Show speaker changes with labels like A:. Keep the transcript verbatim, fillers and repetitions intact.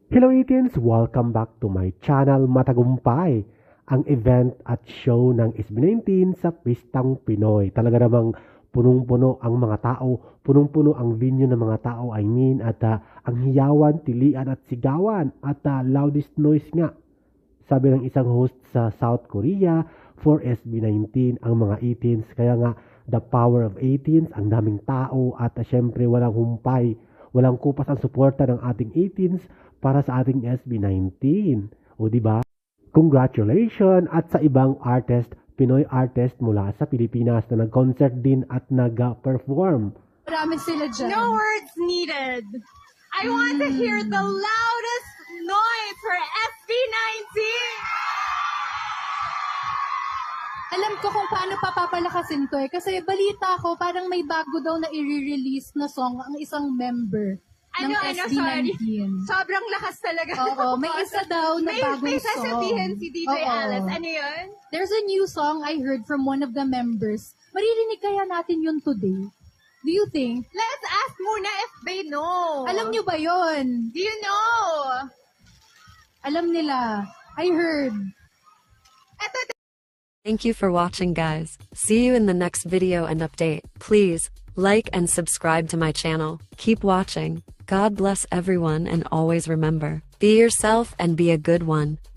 A: Hello Itins! Welcome back to my channel. Matagumpay ang event at show ng S B nineteen sa Pistang Pinoy. Talaga namang punong-puno ang mga tao, punong-puno ang venue ng mga tao, I mean, at uh, ang hiyawan, tilian at sigawan at uh, loudest noise nga. Sabi ng isang host sa South Korea, for S B nineteen ang mga Itins. Kaya nga, the power of Itins, ang daming tao at uh, syempre walang humpay, walang kupas ang suporta ng ating Itins para sa ating S B nineteen. O di ba? Congratulations at sa ibang artist, Pinoy artist mula sa Pilipinas na nag-concert din at nag-perform.
B: Marami sila dyan.
C: No words needed. I want to hear the loudest noise for S B nineteen.
B: Alam ko kung paano papapalakasin to eh. Kasi balita ko, parang may bago daw na i-release na song ang isang member ng
C: Ano, ano,
B: S B
C: sorry.
B: nineteen.
C: Sobrang lakas talaga.
B: Oo, may isa daw na
C: may,
B: bagong
C: may
B: song.
C: sasabihin si D J
B: Oo.
C: Alice. Ano yun?
B: There's a new song I heard from one of the members. Maririnig kaya natin yun today? Do you think?
C: Let's ask muna if they know.
B: Alam nyo ba yun?
C: Do you know?
B: Alam nila. I heard.
C: Eto,
D: Thank you for watching, guys. See you in the next video and update. Please like and subscribe to my channel. Keep watching. God bless everyone, and always remember, be yourself and be a good one.